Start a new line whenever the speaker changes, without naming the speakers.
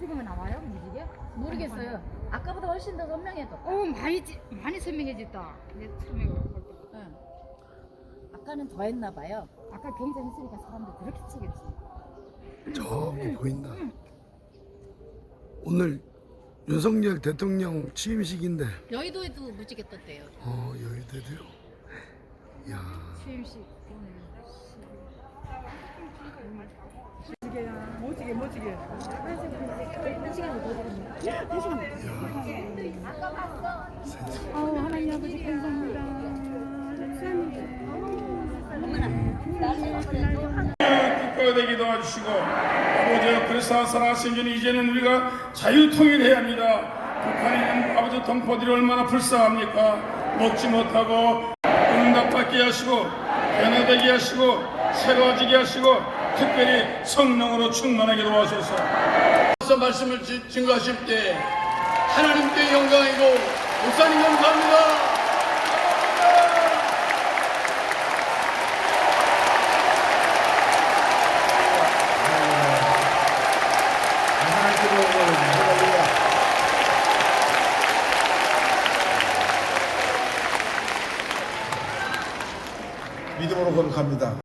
지금은 나와요? 무지개?
모르겠어요. 아까보다 훨씬 더 선명해졌다.
많이 선명해졌다. 이제 처음에 볼 때.
응. 아까는 더 했나 봐요.
아까 경쟁했으니까 사람들 그렇게 치겠지.
저기 보인다. 오늘 윤석열 대통령 취임식인데
여의도에도 무지개 떴대요.
여의도도요. 야,
취임식 오늘.
멋지게
하나님 아버지 감사합니다.
국가되게 도와주시고 아버지여 그리스도 살아생전 이제는 우리가 자유통일해야 합니다. 북한에 있는 아버지 동포들이 얼마나 불쌍합니까? 먹지 못하고 응답받게 하시고 변화되게 하시고 새로워지게 하시고 특별히 성령으로 충만하게 도와주셔서
말씀을 증거하실 때 하나님께 영광이고 목사님 감사합니다.
믿음으로 거룩합니다.